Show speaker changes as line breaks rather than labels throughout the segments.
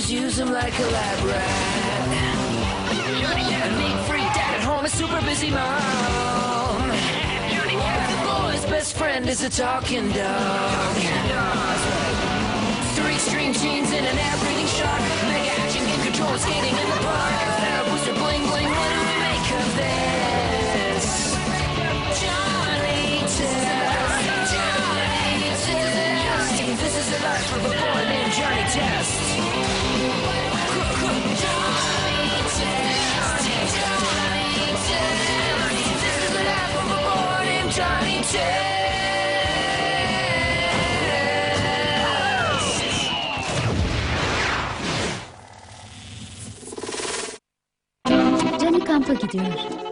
just use him like a lab rat. A neat freak dad at home, a super busy mom. The boy's best friend is a talking dog. Three string jeans and an air-breathing shark. Mega action game control skating in the park. Booster bling bling, what do we make of this? Johnny Test. Johnny Test. This is the life of a boy named Johnny Test. Johnny Test. Johnny Test. This is the life of a boy named Johnny Test.
Johnny kampa gidiyor.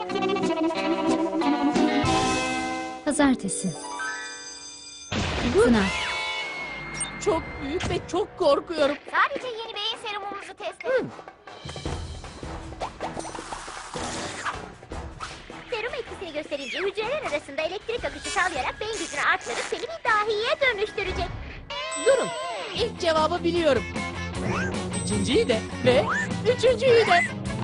Pazartesi. Sınav.
Çok büyük ve çok korkuyorum.
Sadece yeni beyin serumumuzu test edin. Serum etkisini gösterince hücreler arasında elektrik akışı sağlayarak beyin gücünü artırıp seni bir dahiye dönüştürecek.
Durun. İlk cevabı biliyorum. İkinciyi de ve üçüncüyü de.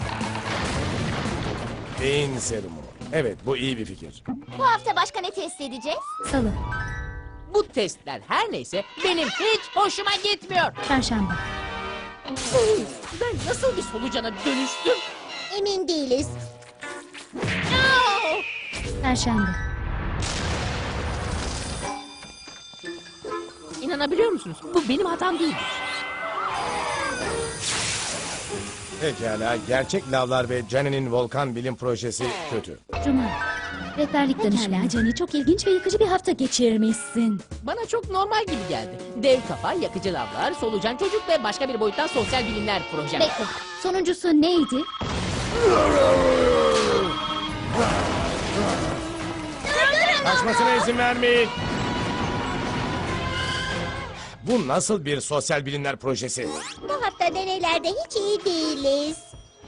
Beyin serumu. Evet, bu iyi bir fikir.
Bu hafta başka ne test edeceğiz?
Salı.
Bu testler her neyse benim hiç hoşuma gitmiyor.
Çarşamba.
Ben nasıl bir solucana dönüştüm?
Emin değiliz.
Perşembe.
İnanabiliyor musunuz? Bu benim hatam değil.
Pekala, gerçek lavlar ve Johnny'nin volkan bilim projesi kötü.
Cuma. Rehberlik danışmanı.
Pekala Johnny, çok ilginç ve yıkıcı bir hafta geçirmişsin.
Bana çok normal gibi geldi. Dev kafa, yakıcı lavlar, solucan çocuk ve başka bir boyuttan sosyal bilimler projem.
Bekle, sonuncusu neydi?
Kaçmasına izin vermeyin. Bu nasıl bir sosyal bilimler projesi?
Bu hafta deneylerde hiç iyi değiliz.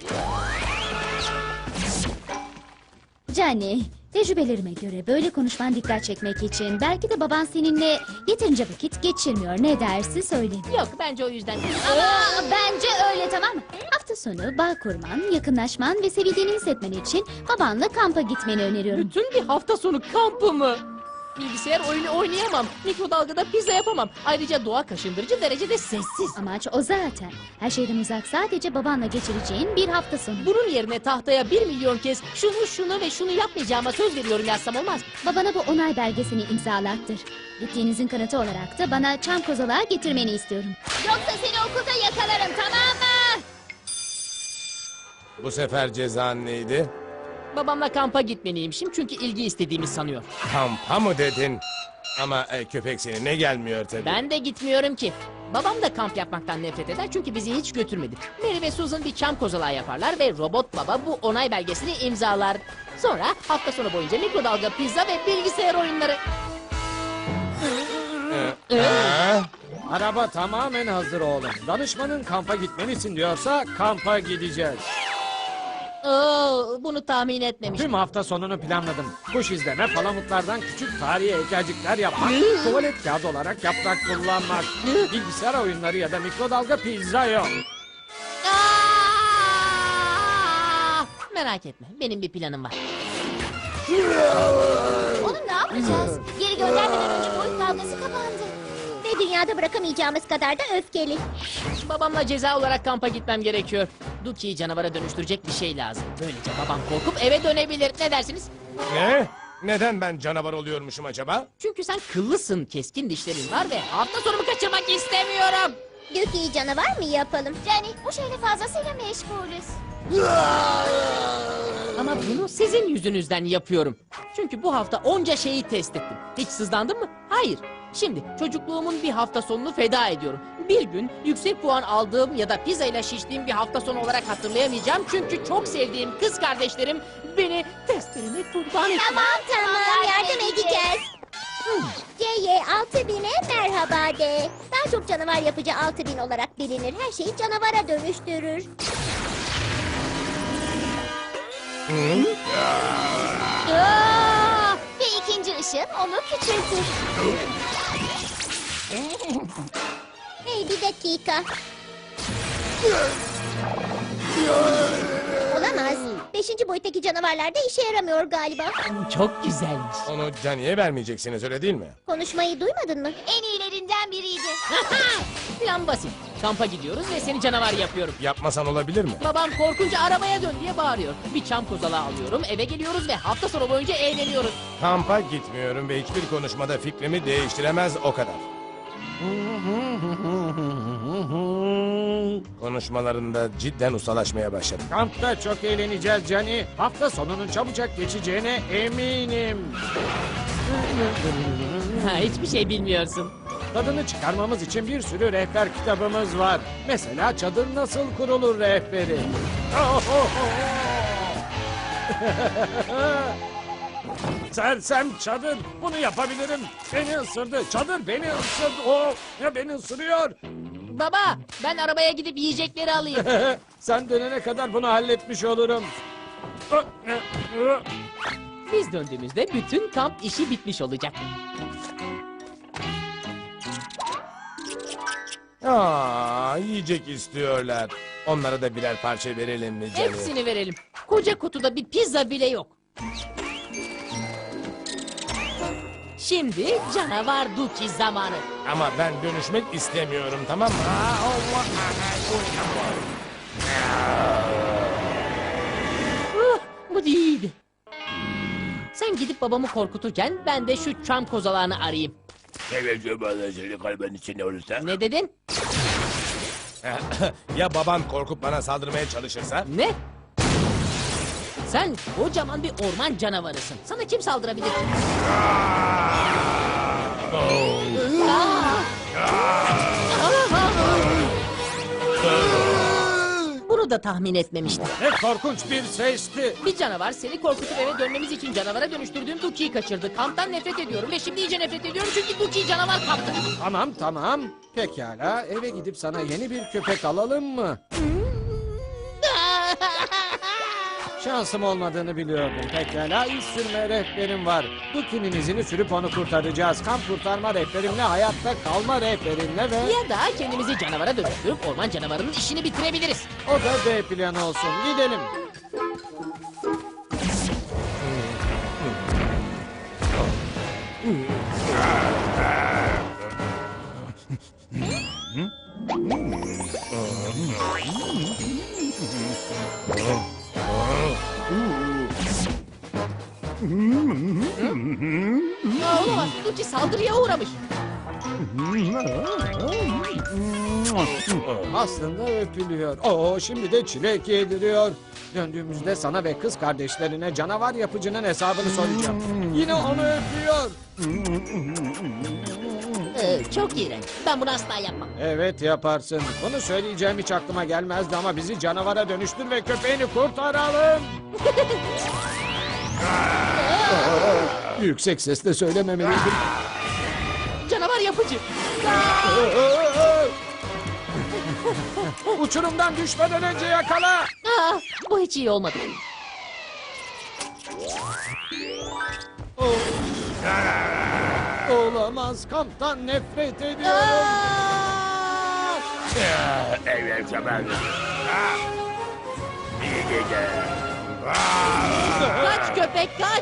Johnny, tecrübelerime göre böyle konuşman dikkat çekmek için belki de baban seninle yeterince vakit geçirmiyor. Ne dersi söyle.
Yok, bence o yüzden.
Ama bence öyle, tamam mı? Hafta sonu bağ kurman, yakınlaşman ve sevildiğini hissetmen için babanla kampa gitmeni öneriyorum.
Bütün bir hafta sonu kampı mı? Bilgisayar oyunu oynayamam. Mikrodalgada pizza yapamam. Ayrıca doğa kaşındırıcı derecede sessiz.
Amaç o zaten. Her şeyden uzak, sadece babanla geçireceğin bir hafta sonu.
Bunun yerine tahtaya 1 milyon kez şunu ve şunu yapmayacağıma söz veriyorum yazsam olmaz mı?
Babana bu onay belgesini imzalattır. Gittiğinizin kanıtı olarak da bana çam kozalağı getirmeni istiyorum. Yoksa seni okulda yakalarım, tamam mı?
Bu sefer cezan neydi?
Babamla kampa gitmeliymişim çünkü ilgi istediğimi sanıyor.
Kampa mı dedin? Ama köpek seninle gelmiyor tabii.
Ben de gitmiyorum ki. Babam da kamp yapmaktan nefret eder çünkü bizi hiç götürmedi. Mary ve Susan bir çam kozalağı yaparlar ve robot baba bu onay belgesini imzalar. Sonra hafta sonu boyunca mikrodalga pizza ve bilgisayar oyunları.
Araba tamamen hazır oğlum. Danışmanın kampa gitmelisin diyorsa kampa gideceğiz.
Oo, bunu tahmin etmemiştim.
Tüm hafta sonunu planladım. Kuş izleme, palamutlardan küçük tarihi heykelcikler yapmak, tuvalet kağıdı olarak yaprak kullanmak, bilgisayar oyunları ya da mikrodalga pizza yok.
Aa! Merak etme, benim bir planım var.
Onu ne yapacağız? Geri göndermeden önce boyut kavgası kapandı. Ve dünyada bırakamayacağımız kadar da öfkeli.
Babamla ceza olarak kampa gitmem gerekiyor. Duki'yi canavara dönüştürecek bir şey lazım. Böylece babam korkup eve dönebilir. Ne dersiniz?
Ne? Neden ben canavar oluyormuşum acaba?
Çünkü sen kıllısın, keskin dişlerin var ve hafta sonumu kaçırmak istemiyorum.
Dökü'yü canavar mı yapalım? Jenny, bu şeyle fazlasıyla meşgulüz.
Ama bunu sizin yüzünüzden yapıyorum. Çünkü bu hafta onca şeyi test ettim. Hiç sızlandın mı? Hayır. Şimdi çocukluğumun bir hafta sonunu feda ediyorum. Bir gün yüksek puan aldığım ya da pizza ile şiştiğim bir hafta sonu olarak hatırlayamayacağım. Çünkü çok sevdiğim kız kardeşlerim beni testlerine kurban etti.
Tamam, yardım edeceğiz. C'ye 6000'e merhaba de. Daha çok canavar yapıcı 6000 olarak bilinir. Her şeyi canavara dönüştürür. Ve ikinci ışın onu küçültür. Hey, bir dakika. Olamaz. 5. boyuttaki canavarlar da işe yaramıyor galiba.
Çok güzelmiş.
Onu Johnny'ye vermeyeceksiniz öyle değil mi?
Konuşmayı duymadın mı?
En iyilerinden biriydi.
Plan basit. Kampa gidiyoruz ve seni canavar yapıyorum.
Yapmasan olabilir mi?
Babam korkunca arabaya dön diye bağırıyor. Bir çam kozalağı alıyorum, eve geliyoruz ve hafta sonu boyunca eğleniyoruz.
Kampa gitmiyorum ve hiçbir konuşmada fikrimi değiştiremez o kadar. Konuşmalarında cidden ustalaşmaya başladım.
Kampta çok eğleneceğiz Cani. Hafta sonunun çabucak geçeceğine eminim.
Ha, hiçbir şey bilmiyorsun.
Tadını çıkarmamız için bir sürü rehber kitabımız var. Mesela çadır nasıl kurulur rehberi. Sersem çadır. Bunu yapabilirim. Beni ısırdı. Çadır beni ısırdı. Oh, ya beni ısırıyor.
Baba, ben arabaya gidip yiyecekleri alayım.
Sen dönene kadar bunu halletmiş olurum.
Biz döndüğümüzde bütün kamp işi bitmiş olacak.
Yiyecek istiyorlar. Onlara da birer parça verelim mi Johnny?
Hepsini verelim. Koca kutuda bir pizza bile yok. Şimdi canavar Duki zamanı.
Ama ben dönüşmek istemiyorum, tamam mı?
Bu değildi. Sen gidip babamı korkuturken ben de şu çam kozalağını arayayım.
kalbin içinde olursa?
Ne dedin?
Ya baban korkup bana saldırmaya çalışırsa?
Ne? Sen kocaman bir orman canavarısın. Sana kim saldırabilir ki? Bunu da tahmin etmemiştim.
Ne korkunç bir sesti.
Bir canavar seni korkutup eve dönmemiz için canavara dönüştürdüğüm Duki'yi kaçırdı. Kamptan nefret ediyorum ve şimdi iyice nefret ediyorum çünkü Duki canavar kaptı.
Tamam. Pekala eve gidip sana yeni bir köpek alalım mı? Şansım olmadığını biliyordum. Pekala iz sürme rehberim var. Duki'nin izini sürüp onu kurtaracağız. Kamp kurtarma rehberimle, hayatta kalma rehberimle ve...
Ya da kendimizi canavara dönüştürüp orman canavarının işini bitirebiliriz.
O da B planı olsun. Gidelim.
Olamaz. Duki saldırıya uğramış.
Aslında öpülüyor. Şimdi de çilek yediriyor. Döndüğümüzde sana ve kız kardeşlerine canavar yapıcının hesabını soracağım. Yine onu öpüyor.
Çok iğrenç. Ben bunu asla yapmam.
Evet yaparsın. Bunu söyleyeceğim hiç aklıma gelmezdi ama bizi canavara dönüştür ve köpeğini kurtaralım. Yüksek sesle söylememeliydim.
Canavar yapıcı.
Uçurumdan düşmeden önce yakala.
Bu hiç iyi olmadı.
Olamaz, kamptan nefret ediyorum.
Kaç köpek kaç.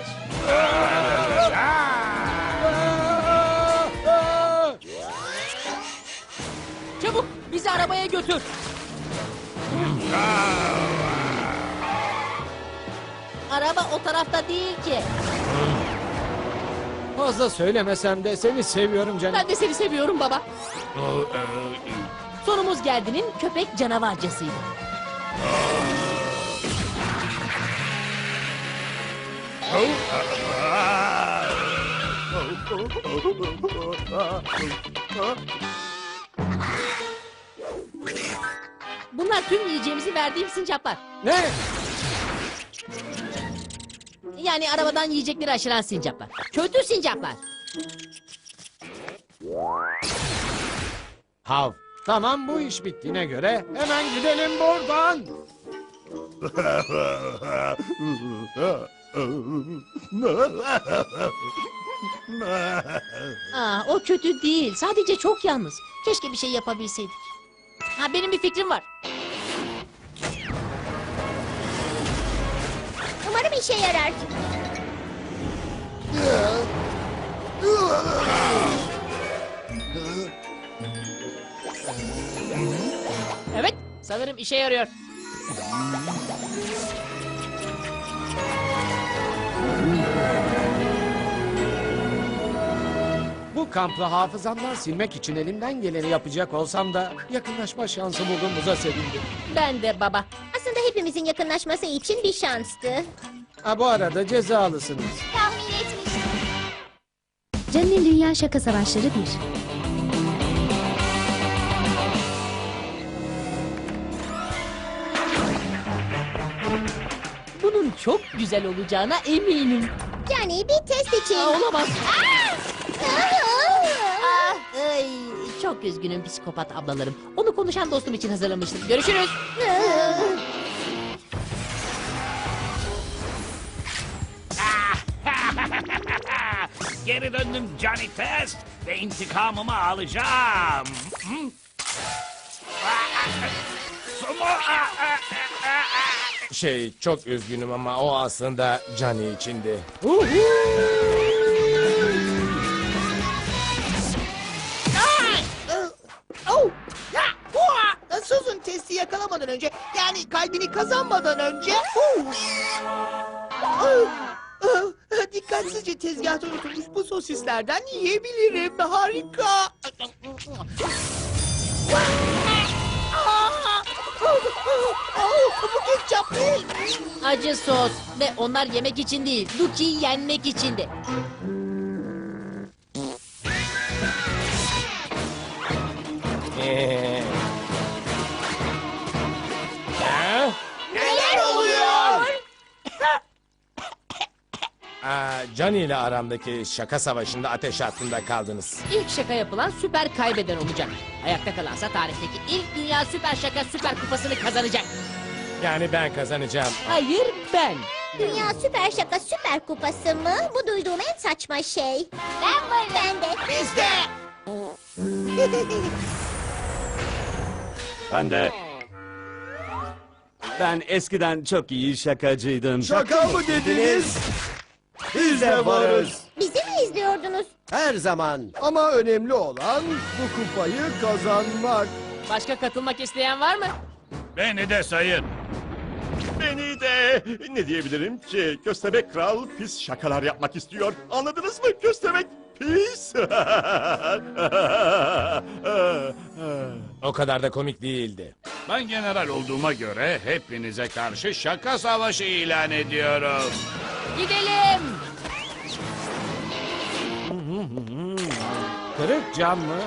Çabuk bizi arabaya götür. Araba o tarafta değil ki.
Fazla söylemesem de seni seviyorum canım.
Ben de seni seviyorum baba. Sonumuz geldinin köpek canavarcasıydı. Bunlar tüm yiyeceğimizi verdiğim sincaplar.
Ne?
Yani arabadan yiyecekleri aşıran sincaplar. Kötü sincaplar.
Hav.
Tamam bu iş bittiğine göre hemen gidelim buradan.
O kötü değil. Sadece çok yalnız. Keşke bir şey yapabilseydik. Benim bir fikrim var.
işe yarar.
Evet, sanırım işe yarıyor.
Bu kampı hafızamdan silmek için elimden geleni yapacak olsam da yakınlaşma şansı bulduğumuza sevindim.
Ben de baba.
Aslında hepimizin yakınlaşması için bir şanstı.
Ha, bu arada cezalısınız.
Tahmin etmiştim.
Johnny'nin Dünya Şaka Savaşları 1.
Bunun çok güzel olacağına eminim.
Yani bir test için.
Olamaz.
Ah!
Ay, çok üzgünüm psikopat ablalarım. Onu konuşan dostum için hazırlamıştım. Görüşürüz.
Geri döndüm Johnny Test ve intikamımı alacağım.
Çok üzgünüm ama o aslında Johnny içindi.
Susan testi yakalamadan önce, yani kalbini kazanmadan önce... Dikkatsizce tezgahta unutulmuş bu sosislerden yiyebilirim. Harika. Bu ketçap değil.
Acı sos ve onlar yemek için değil, Duki'yi yenmek içindi.
Neler oluyor?
Johnny ile aramdaki şaka savaşında ateş hattında kaldınız.
İlk şaka yapılan süper kaybeden olacak. Ayakta kalansa tarihteki ilk dünya süper şaka süper kupasını kazanacak.
Yani ben kazanacağım.
Hayır ben.
Dünya Süper Şaka Süper Kupası mı? Bu duyduğum en saçma şey. Ben varım. Ben de.
Biz de.
Ben de. Ben eskiden çok iyi şakacıydım.
Şaka mı dediniz?
Biz de varız.
Bizi mi izliyordunuz?
Her zaman. Ama önemli olan bu kupayı kazanmak.
Başka katılmak isteyen var mı?
Beni de sayın.
Beni de. Ne diyebilirim ki? Köstebek Kral pis şakalar yapmak istiyor. Anladınız mı? Köstebek pis.
O kadar da komik değildi.
Ben general olduğuma göre hepinize karşı şaka savaşı ilan ediyorum.
Gidelim.
Kırık cam mı?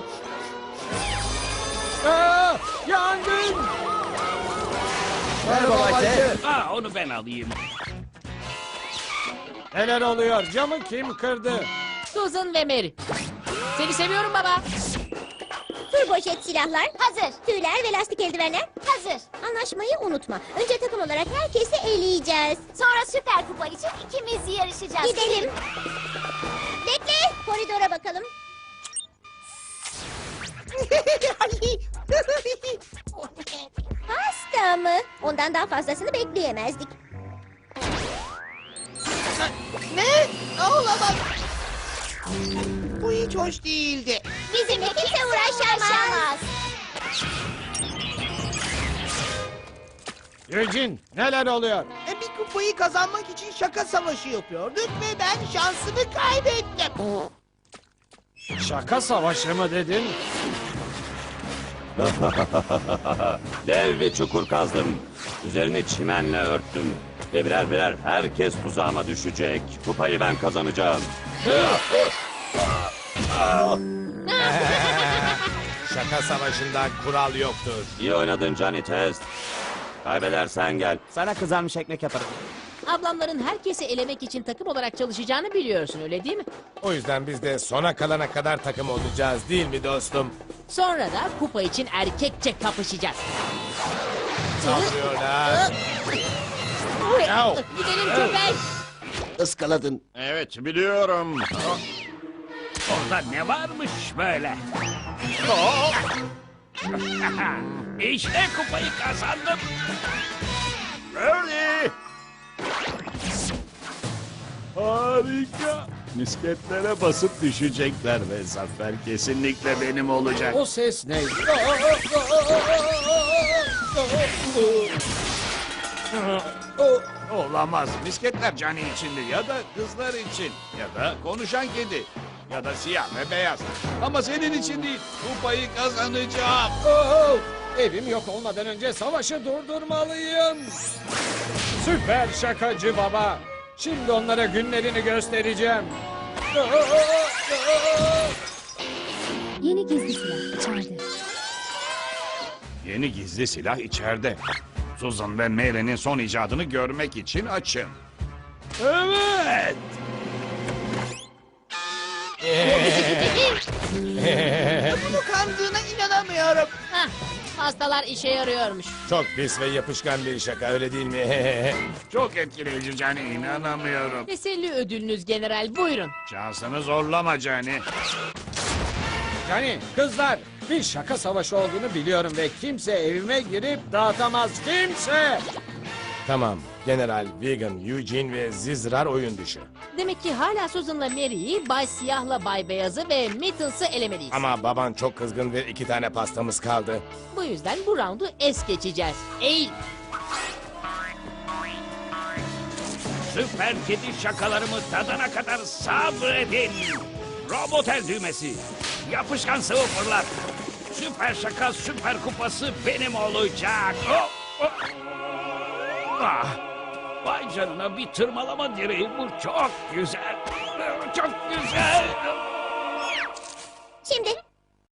Yangın!
Merhaba Bayce.
Onu ben alayım.
Neler oluyor? Camı kim kırdı?
Susan ve Mary. Seni seviyorum baba.
Turbojet silahlar.
Hazır.
Tüyler ve lastik eldivenler.
Hazır.
Anlaşmayı unutma. Önce takım olarak herkesi eleyeceğiz.
Sonra süper kupa için ikimiz yarışacağız.
Gidelim. Bekle. Koridora bakalım. Pasta mı? Ondan daha fazlasını bekleyemezdik.
Ne? Olamaz. Bu hiç hoş değildi.
Bizimle kimse uğraşamaz.
Eugene, neler oluyor?
Bir kupayı kazanmak için şaka savaşı yapıyorduk ve ben şansımı kaybettim.
Şaka savaşı mı dedin?
Dev bir çukur kazdım. Üzerini çimenle örttüm. Ve birer birer herkes tuzağıma düşecek. Kupayı ben kazanacağım.
Şaka savaşında kural yoktur.
İyi oynadın Johnny Test. Kaybedersen gel. Sana kızarmış ekmek yaparım.
Ablamların herkesi elemek için takım olarak çalışacağını biliyorsun öyle değil mi?
O yüzden biz de sona kalana kadar takım olacağız değil mi dostum?
Sonra da kupa için erkekçe kapışacağız.
Saldırıyorlar. Yav.
Gidelim köpek.
Iskaladın.
Evet biliyorum. Orada ne varmış böyle? İşte kupayı kazandım.
Birdie!
Harika. Misketlere basıp düşecekler ve zafer kesinlikle benim olacak.
O ses neydi?
Olamaz. Misketler Cani içindi ya da kızlar için ya da konuşan kedi ya da siyah ve beyaz. Ama senin için değil. Kupayı kazanacağım.
Evim yok olmadan önce savaşı durdurmalıyım. Süper şakacı baba. Şimdi onlara günlerini göstereceğim.
Yeni gizli silah içeride.
Yeni gizli silah içeride. Susan ve Mary'nin son icadını görmek için açım. Evet.
Bunu kandığına inanamıyorum.
Hah, pastalar işe yarıyormuş.
Çok pis ve yapışkan bir şaka öyle değil mi?
Çok etkileyici Cani, inanamıyorum.
Teselli ödülünüz general, buyurun.
Şansını zorlama Cani.
Yani kızlar, bir şaka savaşı olduğunu biliyorum ve kimse evime girip dağıtamaz, kimse.
Tamam. General, Vegan, Eugene ve Zizrar oyun dışı.
Demek ki hala Susan'la Mary'i, Bay Siyah'la Bay Beyaz'ı ve Mittens'ı elemeliyiz.
Ama baban çok kızgın ve 2 tane pastamız kaldı.
Bu yüzden bu roundu es geçeceğiz. Eğil.
Süper kedi şakalarımı tadana kadar sabredin. Robot el düğmesi. Yapışkan sıvı fırlat. Süper şaka, süper kupası benim olacak. Oh, oh. Ah, vay canına, bir tırmalama direği bu, çok güzel. Çok güzel.
Şimdi